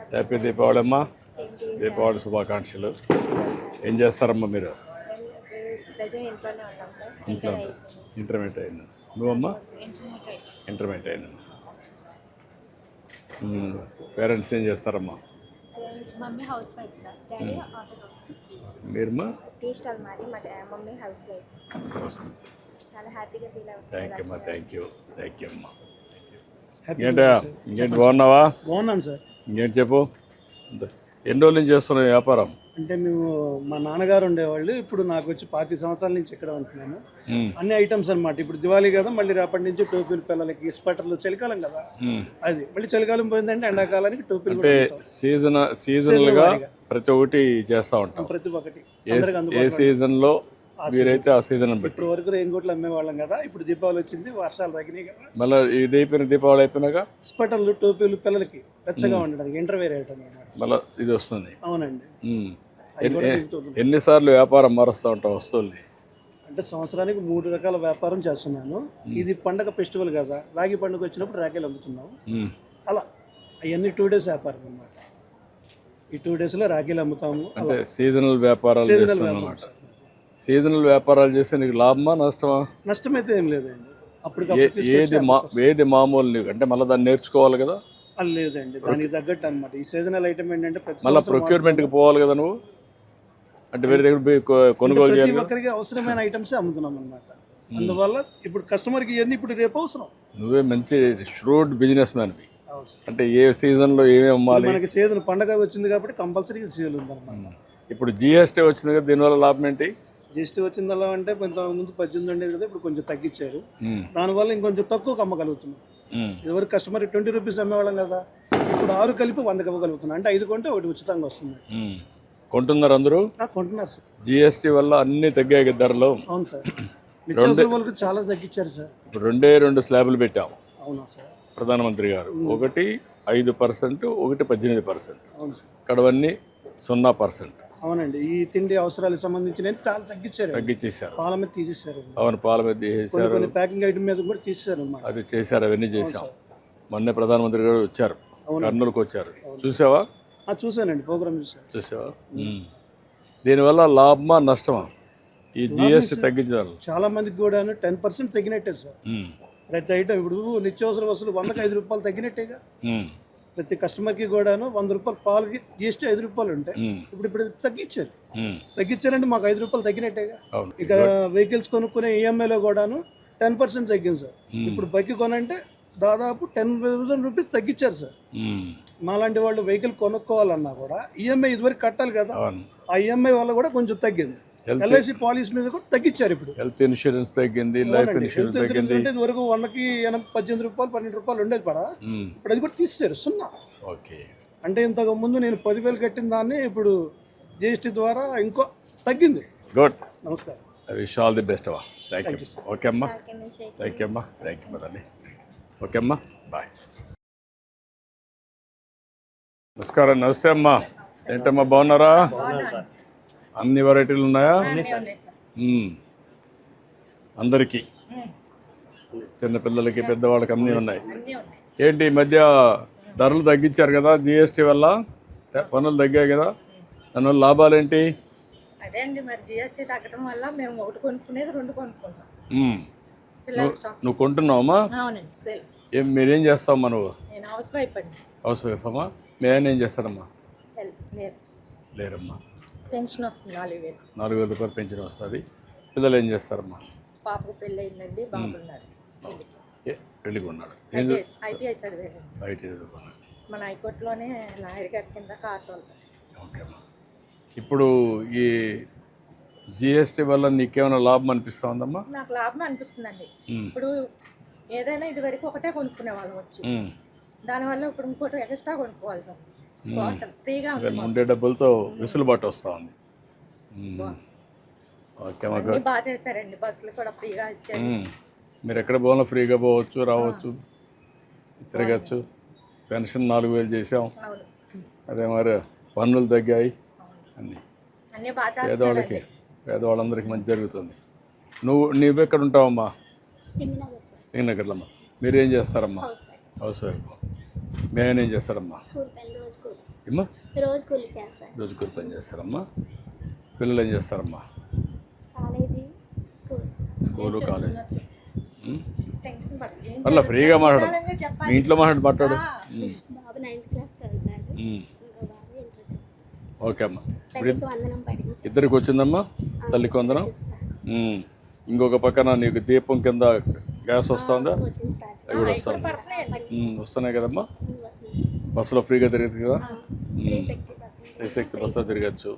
Happy Deepavali అమ్మా. దీపావళి శుభాకాంక్షలు. ఏం చేస్తారమ్మా మీరు? ఇంట్లో ఇంటర్మీడియట్ అయింది. నువ్వమ్మా? ఇంటర్మీడియట్ అయింది. పేరెంట్స్ ఏం చేస్తారమ్మా? Mummy house wife sir, daddy auto. మీరమ్మా? టీ స్టాల్ మాది, మా మమ్మీ హౌస్ వైఫ్. చాలా హ్యాపీగా ఫీల్ అవుతుంది. థ్యాంక్ యూ అమ్మా. థ్యాంక్ యూ అమ్మా. ఇంకేంటి బాగున్నావా? బాగున్నాను సార్. ఇంకేంటి చెప్పు. ఎన్ని రోజుల నుంచి చేస్తున్నావు వ్యాపారం? అంటే మేము మా నాన్నగారు ఉండేవాళ్ళు, ఇప్పుడు నాకు వచ్చి 25 సంవత్సరాల నుంచి ఇక్కడ ఉంటున్నాను. అన్ని ఐటమ్స్ అనమాట. ఇప్పుడు దివాళీ కదా, మళ్ళీ రేపటి నుంచి టోపీలు పిల్లలకి, స్వెటర్లు, చలికాలం కదా అది, మళ్ళీ చలికాలం పోయిందంటే ఎండాకాలానికి టోపీలు. అంటే సీజనల్ గా ప్రతి ఒక్కటి చేస్తా ఉంటాం. ప్రతి ఒక్కటి ఏ సీజన్ లో మీరైతే ఆ సీజన్ ఇప్పుడు వరకు రెయిన్ కోట్లు అమ్మేవాళ్ళం కదా, ఇప్పుడు దీపావళి వచ్చింది, వర్షాలు తగ్గినాయి కదా, మళ్ళీ ఇది అయిపోయిన దీపావళి అయిపోయినాక స్వెటర్లు, టోపీలు పిల్లలకి వెచ్చగా ఉండడానికి ఇంటర్వేర్ ఐటమ్ అన్నమాట. మళ్ళీ ఇది వస్తుంది. అవునండి. ఎన్నిసార్లు వ్యాపారం మారుస్తూ ఉంటాం వస్తువుల్ని? అంటే సంవత్సరానికి 3 రకాల వ్యాపారం చేస్తున్నాను. ఇది పండగ ఫెస్టివల్ కదా, రాగి పండుగ వచ్చినప్పుడు రాఖీలు అమ్ముతున్నాము. అలా అవన్నీ 2 days వ్యాపారం అన్నమాట. ఈ 2 days లో రాఖీలు అమ్ముతాము. అంటే సీజనల్ వ్యాపారాలు చేస్తున్నాం అన్నమాట. సీజనల్ వ్యాపారాలు చేస్తే నీకు లాభమా నష్టమా? నష్టం అయితే ఏం లేదండి. అప్పుడు ఏది మామూలు నీకు అంటే మళ్ళీ దాన్ని నేర్చుకోవాలి కదా? అది లేదండి, దానికి తగ్గట్టు అనమాట. ఈ సీజనల్ ఐటమ్ ఏంటంటే మళ్ళీ ప్రొక్యూర్మెంట్కి పోవాలి కదా నువ్వు, అంటే వేరే దగ్గర పోయి కొనుగోలు చేయాలి. ప్రతి ఒక్కరికి అవసరమైన ఐటమ్స్ అమ్ముతున్నాం అనమాట. అందువల్ల ఇప్పుడు కస్టమర్కి ఇవన్నీ ఇప్పుడు రేపు అవసరం. నువ్వే మంచి ష్రూడ్ బిజినెస్ మ్యాన్వి. అంటే ఏ సీజన్లో ఏమేమి అమ్మాలి? మనకి సీజన్ పండగ వచ్చింది కాబట్టి కంపల్సరీ సీజన్ ఉందన్నమాట. ఇప్పుడు జిఎస్టీ వచ్చింది కదా, దీనివల్ల లాభం ఏంటి? జిఎస్టీ వచ్చిందల్లా అంటే కొంత ముందు 18 ఉండేది కదా, ఇప్పుడు కొంచెం తగ్గించారు. దానివల్ల ఇంకొంచెం తక్కువ అమ్మగలుగుతున్నాం. ఎవరికి కస్టమర్ 20 రూపీస్ అమ్మేవాళ్ళం కదా, ఇప్పుడు 6 కలిపి 100 ఇవ్వగలుగుతున్నాం. అంటే 5 కొంటే 1 ఉచితంగా వస్తుంది. కొంటున్నారు అందరూ? కొంటున్నారు సార్. జిఎస్టీ వల్ల అన్ని తగ్గాయి ధరలు. అవును సార్, నిత్యావసర వాళ్ళకి చాలా తగ్గించారు సార్. ఇప్పుడు 2 స్లాబులు పెట్టాము. అవునా సార్? ప్రధానమంత్రి గారు ఒకటి 5%, ఒకటి 18%. అవును సార్. ఇక్కడవన్నీ 0%. అవునండి. ఈ తిండి అవసరాలకు సంబంధించిన చాలా తగ్గించేశారు. పాల మీద తీసేశారు. అవును, పాల మీద తీసేశారు. కొన్ని ప్యాకింగ్ ఐటమ్ మీద కూడా తీసేశారు. అది చేశారు, అవన్నీ చేశాం. మొన్నే ప్రధానమంత్రి గారు వచ్చారు, కర్నూలుకు వచ్చారు. చూసావా? చూసానండి, ప్రోగ్రామ్ చూసావా? దీనివల్ల లాభమా నష్టమా ఈ జిఎస్టీ తగ్గించారు? చాలా మందికి కూడా 10% తగ్గినట్టే సార్. ప్రతి ఐటమ్ ఇప్పుడు నిత్యావసర వస్తువులు 100కి 5 రూపాయలు తగ్గినట్టేగా. ప్రతి కస్టమర్కి కూడాను 100 రూపాయలు పాలకి జిఎస్టీ 5 రూపాయలు ఉంటాయి. ఇప్పుడు తగ్గించారంటే మాకు 5 రూపాయలు తగ్గినట్టేగా. ఇక వెహికల్స్ కొనుక్కునే ఈఎంఐలో కూడాను 10% తగ్గింది సార్. ఇప్పుడు బైక్ కొనంటే దాదాపు 10,000 రూపీస్ తగ్గించారు సార్. మాలాంటి వాళ్ళు వెహికల్ కొనుక్కోవాలన్నా కూడా ఈఎంఐ ఇదివరకు కట్టాలి కదా, ఆ ఈఎంఐ వల్ల కూడా కొంచెం తగ్గింది. ఎల్ఐసి పాలసీ మీద కూడా తగ్గించారు. ఇప్పుడు హెల్త్ ఇన్సూరెన్స్ తగ్గింది, లైఫ్ ఇన్సూరెన్స్ తగ్గింది. అంటే ఇదివరకు 100కి 18 రూపాయలు 12 రూపాయలు ఉండేది పడా, ఇప్పుడు అది కూడా తీసేశారు 0. ఓకే. అంటే ఇంతకు ముందు నేను 10,000 కట్టిన దాన్ని ఇప్పుడు జిఎస్టీ ద్వారా ఇంకో తగ్గింది. గుడ్. నమస్కారం. విష్ ఆల్ ది బెస్ట్ అమ్మా. Thank you. ఓకే అమ్మా. థ్యాంక్ యూ అమ్మా. థ్యాంక్ యూ మదండి. ఓకే అమ్మా, బాయ్. నమస్కారం. నమస్తే అమ్మా. ఏంటమ్మా బాగున్నారా? అన్ని వెరైటీలు ఉన్నాయా? అందరికీ, చిన్నపిల్లలకి పెద్దవాళ్ళకి అన్నీ ఉన్నాయి. ఏంటి ఈ మధ్య ధరలు తగ్గించారు కదా, జిఎస్టీ వల్ల పనులు తగ్గాయి కదా, దానివల్ల లాభాలు ఏంటి? అదే అండి, మరి జిఎస్టీ తగ్గడం వల్ల మేము ఒకటి కొనుక్కునేది 2 కొనుక్కుంటాం. నువ్వు కొంటున్నావమ్మా? మీరేం చేస్తావమ్మా నువ్వు? నేను హౌస్ వైఫ్ అండి. హౌస్ వైఫ్ అమ్మా. మీ ఆయన ఏం చేస్తారమ్మా? లేరమ్మా. పెన్షన్ వస్తుంది 4,000 రూపాయలు పెన్షన్ వస్తుంది. పిల్లలు ఏం చేస్తారమ్మా? పాపకు పెళ్ళి అయిందండి, బాగున్నారు. పెళ్ళికి ఉన్నాడు. ఐటీఐ చదివాడు. ఐటీ చదువుకున్నాడు. మన హైకోర్టులోనే లాయర్ గారి కింద కార్ తోలుతాడు. ఓకే అమ్మా. ఇప్పుడు ఈ జిఎస్టీ వల్ల నీకేమైనా లాభం అనిపిస్తా ఉందమ్మా? నాకు లాభం అనిపిస్తుందండి. ఇప్పుడు ఏదైనా ఇది వరకు ఒకటే కొనుక్కునే వాళ్ళం వచ్చి, దానివల్ల ఇప్పుడు ఇంకోటి ఎక్స్ట్రా కొనుక్కోవాల్సి వస్తుంది. ఫ్రీగా ఉండే డబ్బులతో వెసులుబాటు వస్తూ ఉంది. బాగా చేశారండి, బస్సులు కూడా ఫ్రీగా ఇచ్చారు. మీరు ఎక్కడ పోవాలో ఫ్రీగా పోవచ్చు, రావచ్చు, తిరగచ్చు. పెన్షన్ 4,000 చేసాం. అదే మరి పన్నులు తగ్గాయి. అన్నీ బాగా పేదవాళ్ళందరికీ మంచి జరుగుతుంది. నువ్వు ఎక్కడ ఉంటావమ్మా? శ్రీనగర్లో. మీరేం చేస్తారమ్మా? House wife. మేము ఏం చేస్తారమ్మా? కూలి పని రోజు కూలి. ఏమ్మా? రోజు కూలి చేస్తారు. రోజు కూలి పని చేస్తారమ్మా. పిల్లలు ఏం చేస్తారమ్మా? College school. School college. Tension పడదు. ఏం అలా ఫ్రీగా మాట్లాడు. చెప్పాలని మీ చెప్పాలి. ఇంట్లో మాట్లాడు. బాబు 9th క్లాస్ చదువుతాడు. ఇంకో బాబు ఇంటర్ చదువుతాడు. ఓకే అమ్మా. ఇప్పుడు తల్లికి వందనం పడింది సార్. ఇద్దరికి వచ్చిందమ్మా తల్లికి వందనం. ఇంకొక పక్కన నీకు దీపం కింద గ్యాస్ వస్తుందా? వచ్చింది సార్. అవి కూడా వస్తుంది. పడుతున్నాయండి. వస్తున్నాయి కదమ్మా. వస్తుంది. బస్సులో ఫ్రీగా తిరగచ్చు కదా. శ్రీశక్తి పడుతుంది. శ్రీశక్తి బస్సులో తిరగచ్చు.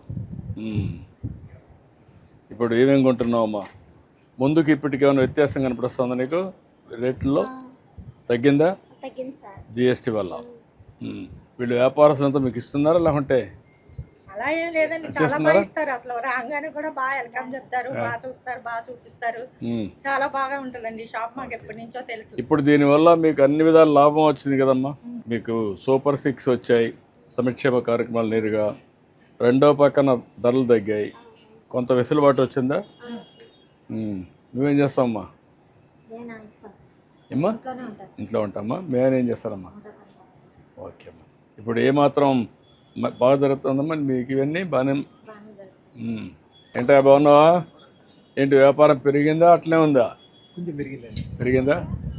ఇప్పుడు ఏమేమి కొంటున్నావమ్మా? ముందుకి ఇప్పటికి ఏమైనా వ్యత్యాసం కనపడుస్తుందా నీకు? రేట్లలో తగ్గిందా? తగ్గింది సార్. జిఎస్టీ వల్ల. వీళ్ళు వ్యాపారస్తులంతా మీకు ఇస్తున్నారా లేకుంటే? అలా ఏం లేదండి, చాలా బాగా ఇస్తారు. అసలు రాగానే కూడా బాగా వెల్కమ్ చెప్తారు, బాగా చూస్తారు, బాగా చూపిస్తారు. చాలా బాగా ఉంటుందండి షాప్. మాకు ఎప్పటి నుంచో తెలుసు. ఇప్పుడు దీనివల్ల మీకు అన్ని విధాల లాభం వచ్చింది కదమ్మా. మీకు సూపర్ 6 వచ్చాయి, సంక్షేమ కార్యక్రమాలు నేరుగా. రెండో పక్కన ధరలు తగ్గాయి, కొంత వెసులుబాటు వచ్చిందా? నువ్వేం చేస్తావమ్మా? ఏమ్మా? ఇంట్లో ఉంటామా. మేమేం చేస్తారమ్మా? ఓకే అమ్మా. ఇప్పుడు ఏమాత్రం బాగా జరుగుతుందమ్మా మీకు ఇవన్నీ? బాగానే. ఏంటా బాగున్నావా? ఏంటి వ్యాపారం పెరిగిందా అట్లే ఉందా? కొంచెం పెరిగిందండి. పెరిగిందా?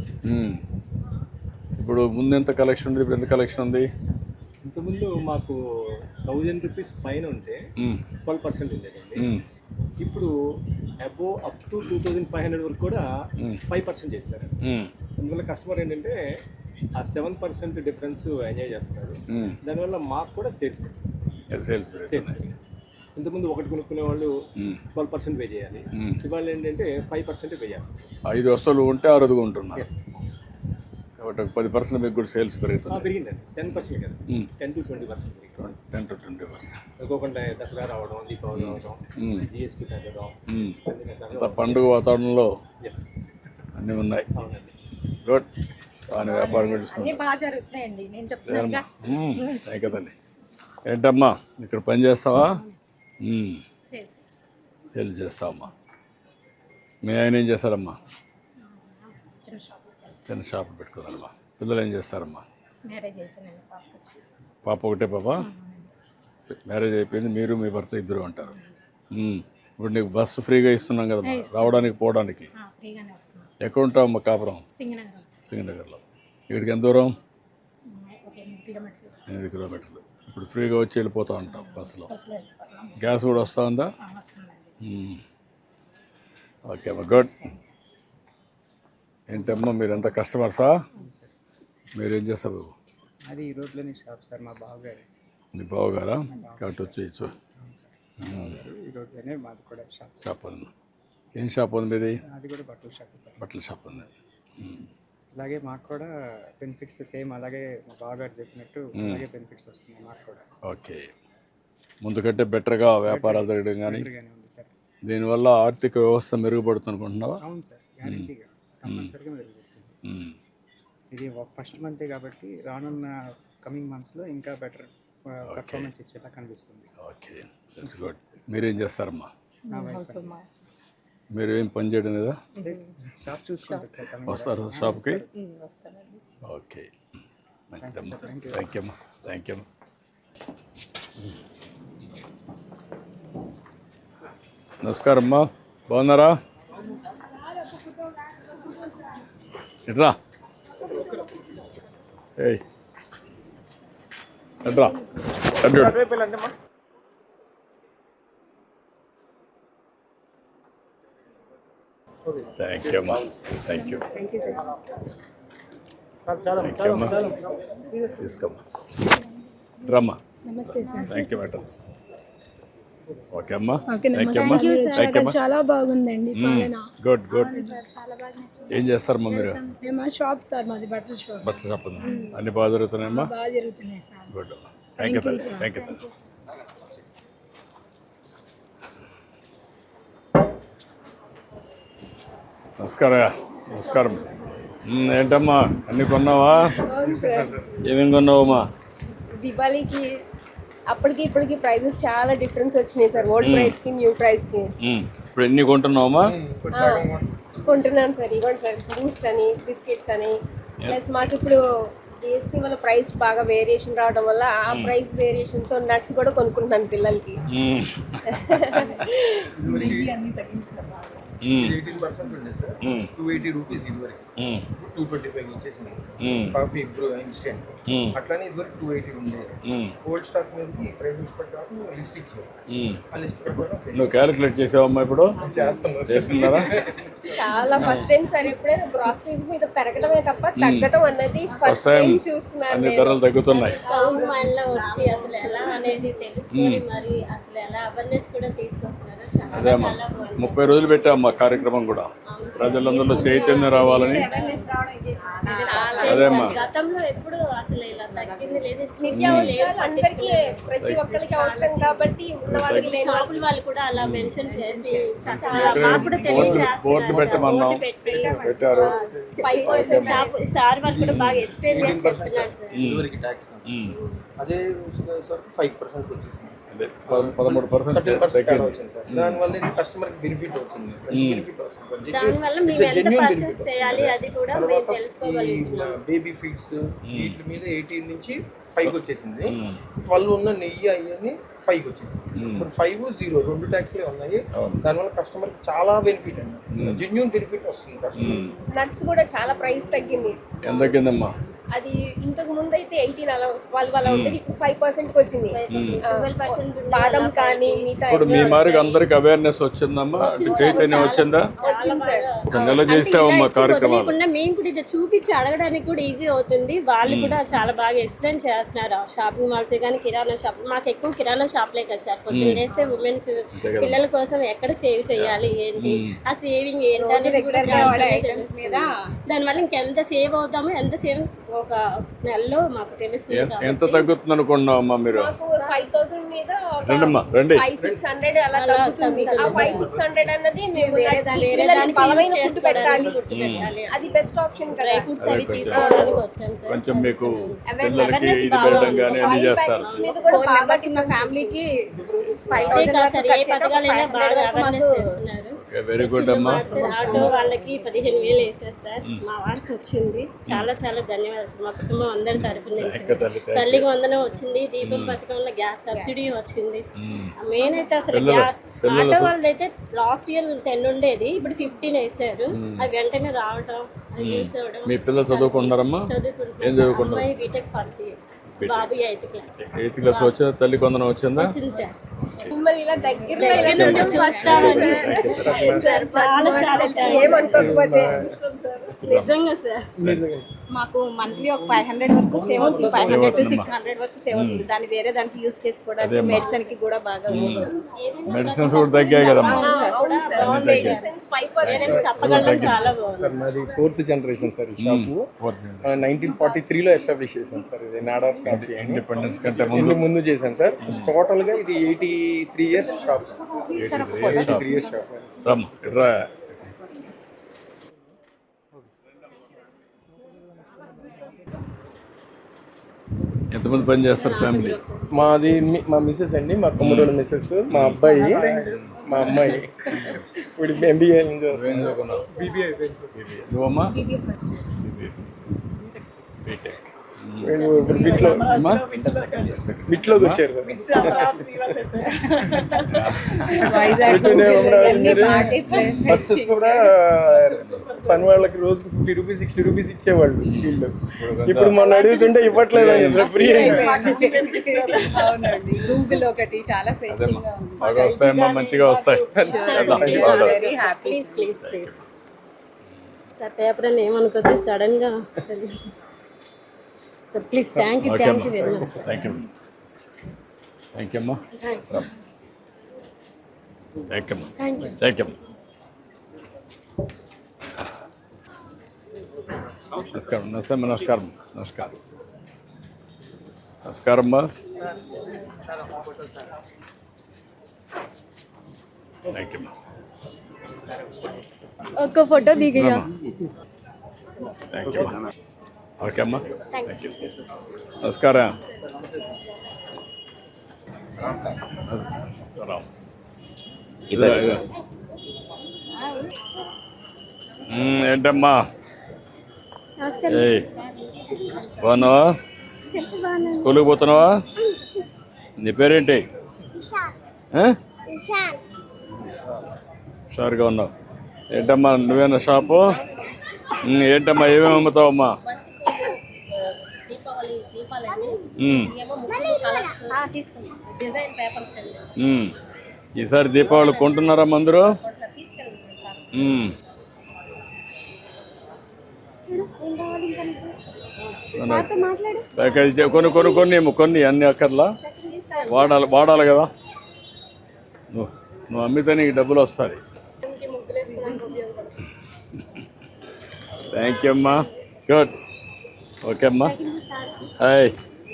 ఇప్పుడు ముందు ఎంత కలెక్షన్ ఉంది, ఇప్పుడు ఎంత కలెక్షన్ ఉంది? ఇంతకుముందు మాకు 1000 రూపీస్ పైన ఉంటే 12% ఉండేదండి. ఇప్పుడు అబోవ్ అప్ టు 2500 వరకు కూడా 5% చేశారు. అందువల్ల కస్టమర్ ఏంటంటే ఆ 7% డిఫరెన్స్ ఎంజాయ్ చేస్తున్నారు. దానివల్ల మాకు కూడా సేల్స్ ఇంతకుముందు ఒకటి కొనుక్కునే వాళ్ళు 12% పే చేయాలి. ఇవాళ ఏంటంటే 5% పే చేస్తారు. 5 వస్తువులు ఉంటే 6 ఉంటున్నారు. కాబట్టి 10% మీకు కూడా సేల్స్ పెరుగుతుంది. పెరిగిందండి. 10% కదా, 10 to 20% పెరిగింది. 10 to 20%. అనుకోకుండా దసరా రావడం, దీపావళి రావడం, జిఎస్టీ తగ్గడం, అంత పండుగ వాతావరణంలో ఎస్ అన్నీ ఉన్నాయి. అవునండి. గుడ్. బాగా వ్యాపారం కూడా చూస్తున్నాం. అన్నీ బాగా జరుగుతున్నాయండి, నేను చెప్తున్నాను కదండి. ఏంటమ్మా ఇక్కడ పని చేస్తావా? సేల్ చేస్తావమ్మా. మీ ఆయన ఏం చేస్తారమ్మా? చిన్న షాపులు పెట్టుకుందమ్మా. పిల్లలు ఏం చేస్తారమ్మా? మ్యారేజ్ అయిపోయింది. పాప ఒకటే పాప? మ్యారేజ్ అయిపోయింది. మీరు మీ భర్త ఇద్దరు ఉంటారు. ఇప్పుడు నీకు బస్సు ఫ్రీగా ఇస్తున్నాం కదమ్మా రావడానికి పోవడానికి. ఫ్రీగానే వస్తున్నాం. ఎక్కడ ఉంటావమ్మా కాపురం? సింగనగర్లో. ఇక్కడికి ఎంత దూరం? 8 కిలోమీటర్లు. ఇప్పుడు ఫ్రీగా వచ్చి వెళ్ళిపోతూ ఉంటాం బస్సులో. గ్యాస్ కూడా వస్తూ ఉందా? ఓకే అమ్మా, గుడ్. ఏంటమ్మా మీరు ఎంత కస్టమర్సా? మీరేం చేస్తారు? అది ఈ రోడ్లోని షాప్ సార్, మా బావగారు. మీ బావగారా? కాబట్టి వచ్చేయచ్చు. ఈ రోడ్లోనే మాది కూడా షాప్ ఉంది. ఏం షాప్ ఉంది మీది? అది కూడా బట్టల షాప్ సార్. బట్టల షాప్ ఉంది. అలాగే మాకు కూడా బెనిఫిట్స్ సేమ్ అలాగే మా బావగారు చెప్పినట్టు అలాగే బెనిఫిట్స్ వస్తున్నాయి మాకు కూడా. ఓకే. ముందు కంటే బెటర్గా వ్యాపారాలు జరగడం కానీ ఉంది సార్. దీనివల్ల ఆర్థిక వ్యవస్థ మెరుగుపడుతుంది అనుకుంటున్నావా? అవును సార్, గ్యారెంటీగా కంపల్సరీగా మెరుగుపడుతుంది. ఇది ఫస్ట్ మంతే కాబట్టి రానున్న కమింగ్ మంత్స్లో ఇంకా బెటర్ పర్ఫార్మెన్స్ ఇచ్చేలా కనిపిస్తుంది. Okay, that's good. మీరేం చేస్తారమ్మా? నా వైఫ్ మీరు ఏం పని చేయడం లేదా? షాప్ చూసుకుంటారు సార్. వస్తారు షాప్కి? ఓకే, మంచిదమ్మా. థ్యాంక్ యూ అమ్మా. థ్యాంక్ యూ అమ్మా. నమస్కారం అమ్మా, బాగున్నారా? ఎట్రా ఏయ్ ఎట్రా థ్యాంక్ యూ అమ్మా. Thank you. థ్యాంక్ యూ అమ్మా. తీసుకోమ్మా. రమ్మా. Thank you madam. ఓకే అమ్మా. థ్యాంక్ యూ అమ్మా. థ్యాంక్ యూ అమ్మా. చాలా బాగుందండి పాలన. Good good. చాలా బాగా నచ్చింది. ఏం చేస్తారమ్మా మీరు? మేము షాప్ సార్, మాది బట్టల షాప్. బట్టల షాప్ ఉంది. అన్ని బాగా జరుగుతున్నాయమ్మా? బాగా జరుగుతున్నాయి సార్. గుడ్ అమ్మా. Thank you thank you. నమస్కారం. నమస్కారం. ఏంటమ్మా అన్నీ కొన్నావా? అవును సార్. ఏమేమి కొన్నావమ్మా? దివాళీకి అప్పటికి ఇప్పటికి ప్రైజెస్ చాలా డిఫరెన్స్ వచ్చినాయి సార్, ఓల్డ్ ప్రైస్కి న్యూ ప్రైస్కి. ఇప్పుడు ఎన్ని కొంటున్నావమ్మా? కొంటున్నాను సార్. ఇవ్వండి సార్, బూస్ట్ అని, బిస్కెట్స్ అని. ప్లస్ మాకు ఇప్పుడు జిఎస్టీ వల్ల ప్రైస్ బాగా వేరియేషన్ రావడం వల్ల ఆ ప్రైస్ వేరియేషన్ తో నట్స్ కూడా కొనుక్కుంటున్నాను పిల్లలకి. 18% ఉండే సార్, 280 రూపీస్ ఇదివరకు, 225 వచ్చేసింది. కాఫీ బ్రూ ఇన్స్టెంట్ అట్లానే ఇదివరకు 280 ఉండేది. ఓల్డ్ స్టాక్ మీదకి ప్రైసెస్ ప్రకారం లిస్ట్ ఇచ్చారు. ఆ లిస్ట్ ప్రకారం నువ్వు క్యాలిక్యులేట్ చేసావమ్మా ఇప్పుడు? చేస్తున్నారా? చాలా ఫస్ట్ టైం సార్ ఎప్పుడైనా గ్రాసరీస్ మీద పెరగడమే తప్ప తగ్గడం అన్నది ఫస్ట్ టైం చూస్తున్నాను అన్ని నేను. ధరలు తగ్గుతున్నాయి. టౌన్ మైండ్లో వచ్చి అసలు ఎలా అనేది తెలుసుకొని మరి అసలు ఎలా అవేర్నెస్ కూడా తీసుకొస్తున్నారు. చాలా అదేమ్మా, చాలా బాగుంది. 30 రోజులు పెట్టామ్మా కార్యక్రమం కూడా, ప్రజలందరిలో చైతన్యం రావాలని. అదేమ్మా, గతంలో ఎప్పుడు అసలు ఇలా తగ్గింది లేదు. నిత్యావసరాలు అందరికీ ప్రతి ఒక్కరికి అవసరం కాబట్టి ఉన్న వాళ్ళకి లేని వాళ్ళకి షాపుల వాళ్ళు కూడా అలా మెన్షన్ చేసి చక్కగా ఇక్కడ మాకు కూడా బోర్డు తెలియజేస్తున్నారు. పెట్టమన్నాం, బోర్డు పెట్టి పెట్టారు. 5% షాపు సార్ వాళ్ళు కూడా బాగా ఎక్స్ప్లెయిన్ చేసి చెప్తున్నారు సార్. ఇదివరకు ట్యాక్స్ అదే సార్ 5% వచ్చేసింది. అదే 13% 13% తేడా వచ్చింది సార్. దానివల్ల కస్టమర్కి బెనిఫిట్ అవుతుంది, మంచి బెనిఫిట్ వస్తుంది. దానివల్ల మేము ఎంత పర్చేస్ చేయాలి అది కూడా మేము తెలుసుకోగలుగుతున్నాం. బేబీ ఫీడ్స్ వీటి మీద 18 నుంచి 5 వచ్చేసింది. 12 ఉన్న నెయ్యి అవన్నీ 5 వచ్చేసింది. ఇప్పుడు 5, 0 రెండు ట్యాక్స్లే ఉన్నాయి. దానివల్ల కస్టమర్కి చాలా బెనిఫిట్ అండి, జెన్యూన్ బెనిఫిట్ వస్తుంది కస్టమర్. నట్స్ కూడా చాలా ప్రైస్ తగ్గింది. ఎంత తగ్గిందమ్మా? అది ఇంతకు ముందు అయితే 18 అలా 12 అలా ఉండేది, ఇప్పుడు 5% కి వచ్చింది. 12% బాదం కానీ మిగతా ఇప్పుడు మీ మారికి అందరికి అవేర్నెస్ వచ్చిందమ్మా, అంటే చైతన్యం వచ్చిందా? వచ్చింది సార్. నెల చేసావమ్మా కార్యక్రమాలు. వదిలేకుండా మేము కూడా ఇది చూపించి అడగడానికి కూడా ఈజీ అవుతుంది. వాళ్ళు కూడా చాలా బాగా ఎక్స్ప్లెయిన్ చేస్తున్నారు. షాపింగ్ మాల్స్ కానీ కిరాణా షాప్, మాకు ఎక్కువ కిరాణా షాప్లే కదా సార్. పొద్దున్న వేస్తే ఉమెన్స్ పిల్లల కోసం ఎక్కడ సేవ్ చేయాలి ఏంటి, ఆ సేవింగ్ ఏంటి అనేది కూడా తెలుస్తుంది. దానివల్ల ఇంకెంత సేవ్ అవుతామో ఎంత సేవ్ ఒక నెలలో మాకు తెలుస్తుంది. ఎంత తగ్గుతుంది అనుకున్నావమ్మా మీరు? మాకు 5000 మీద ఒక రండమ్మా, రండి. 500-600 అలా తగ్గుతుంది. ఆ 500-600 అన్నది మేము పిల్లలకి బలమైన ఫుడ్ పెట్టాలి, అది బెస్ట్ ఆప్షన్ కదా. డ్రై ఫ్రూట్స్ అవి తీసుకోవడానికి వచ్చాం సార్. కొంచెం మీకు పిల్లలకి ఇది పెట్టడం కానీ అన్ని చేస్తారు. మీద కూడా బాగా ఫ్యామిలీకి అదే కాదు సార్, ఏ పథకాలైనా బాగా అవేర్నెస్ చేస్తున్నారు. వెరీ గుడ్ అమ్మా. ఆటో వాళ్ళకి 15,000 వేశారు సార్, మా వారికి వచ్చింది. చాలా చాలా ధన్యవాదాలు సార్, మా కుటుంబం అందరి తరఫున నుంచి. తల్లికి వందనం వచ్చింది, దీపం పథకంలో గ్యాస్ సబ్సిడీ వచ్చింది. మెయిన్ అయితే అసలు ఆటో వాళ్ళు అయితే లాస్ట్ ఇయర్ 10 ఉండేది, ఇప్పుడు 15 వేసారు. అది వెంటనే రావడం, అది యూస్ అవ్వడం. మీ పిల్లలు చదువుకుంటారమ్మా? ఏం చదువుకుంటున్నారు. చదువుకుంటారు? అమ్మాయి బీటెక్ ఫస్ట్ ఇయర్, బాబు 8th క్లాస్. 8th క్లాస్ వచ్చిందా? తల్లి కొందరం వచ్చిందా? వచ్చింది సార్. మిమ్మల్ని ఇలా దగ్గరలో ఇలా దగ్గర నుండి చూడడం చూస్తామని సార్, చాలా చాలా ఏమనుకోకపోతే. నిజంగా సార్. మాకు మంత్లీ ఒక 500 వరకు సేవ్ అవుతుంది, 500 to 600 వరకు సేవ్ అవుతుంది. దాన్ని వేరే దానికి యూస్ చేసుకోవడానికి మెడిసిన్ కి కూడా బాగా మెడిసిన్స్ కూడా తగ్గాయి కదమ్మా. మెడిసిన్స్ 5% చెప్పగలం, చాలా బాగుంది. సార్ మాది 4th జనరేషన్ సార్. ఈ షాపు 1943లో ఎస్టాబ్లిష్ చేశాను సార్. ఇది నాడాస్ కాఫీ ఇండిపెండెన్స్ కంటే ముందు చేశాను సార్. టోటల్ గా ఇది 83 ఇయర్స్ షాప్. 83 years shop. రమ్మా, ఇట్రా. ఎంతమంది పని చేస్తారు ఫ్యామిలీ? మాది మా మిస్సెస్ అండి, మా తమ్ముడు మిస్సెస్, మా అబ్బాయి, మా అమ్మాయి. ఇప్పుడు ఎంబీఏ BBA అయిపోయింది సార్. నువ్వమ్మా? బీటెక్. ఇప్పుడు బిట్లోకి వచ్చారు సార్. బస్సెస్ కూడా పని వాళ్ళకి రోజుకి 50 రూపీస్ 60 రూపీస్ ఇచ్చేవాళ్ళు వీళ్ళు. ఇప్పుడు మొన్న అడుగుతుంటే ఇవ్వట్లేదు, ఫ్రీ. గూగుల్ ఒకటి చాలా బాగా వస్తాయమ్మా, మంచిగా వస్తాయి. Please please please sir, paper అని ఏమనుకోద్దు సడన్ గా sir. Please thank you very much. Thank you అమ్మా. థ్యాంక్ యూ అమ్మా. Thank you. నమస్కారం. నమస్కారం. నమస్కారం అమ్మా. థ్యాంక్ యూ అమ్మా. ఒక్క ఫోటో దిగయ్యా. థ్యాంక్ యూ అమ్మా. ఓకే అమ్మా, థ్యాంక్ యూ. నమస్కారం. ఏంటమ్మా? బాగున్నావా? స్కూల్కి పోతున్నావా? నీ పేరేంటి? హుషారుగా ఉన్నావు. ఏంటమ్మా నువ్వేనా షాపు? ఏంటమ్మా ఏమేమి అమ్ముతావమ్మా? ఈసారి దీపావళి కొంటున్నారా అందరూ? కొన్ని అన్ని అక్కర్లా వాడాలి కదా. నువ్వు అమ్మితే నీకు డబ్బులు వస్తాయి. థ్యాంక్ యూ అమ్మా. గుడ్. ఓకే అమ్మా. హాయ్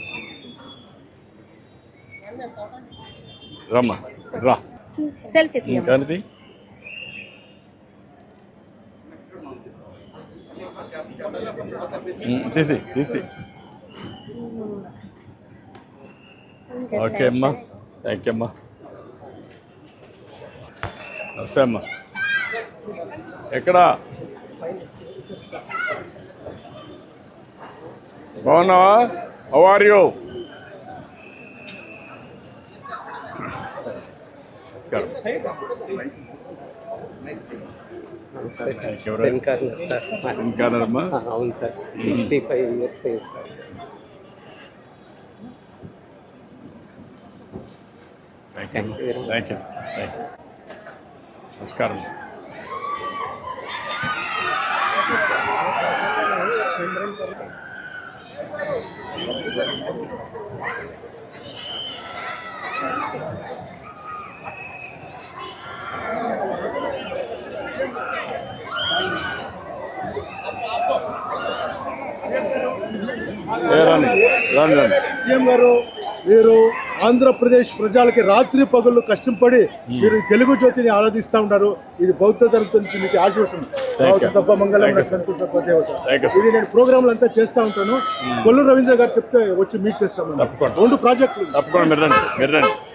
రమ్మా రా. ఇంకానిది తీసి. ఓకే అమ్మా. థ్యాంక్ యూ అమ్మా. నమస్తే అమ్మా. ఎక్కడా బాగున్నావా? How are you? నమస్కారం. వెంకటరమ్మా. అవును సార్, 65 years అయింది సార్. Thank you. నమస్కారం. సీఎం గారు, మీరు ఆంధ్రప్రదేశ్ ప్రజలకి రాత్రి పగళ్ళు కష్టపడి మీరు తెలుగు జ్యోతిని ఆరాధిస్తూ ఉంటారు. ఇది బౌద్ధ ధర్మం నుంచి మీకు ఆశీర్వచనం. మంగళం సంతోష దేవత. ఇది నేను ప్రోగ్రాంలు అంతా చేస్తూ ఉంటాను. కొల్లు రవీంద్ర గారు చెప్తే వచ్చి మీట్ చేస్తాము. 2 ప్రాజెక్టులు. తప్పకుండా మీరు రండి.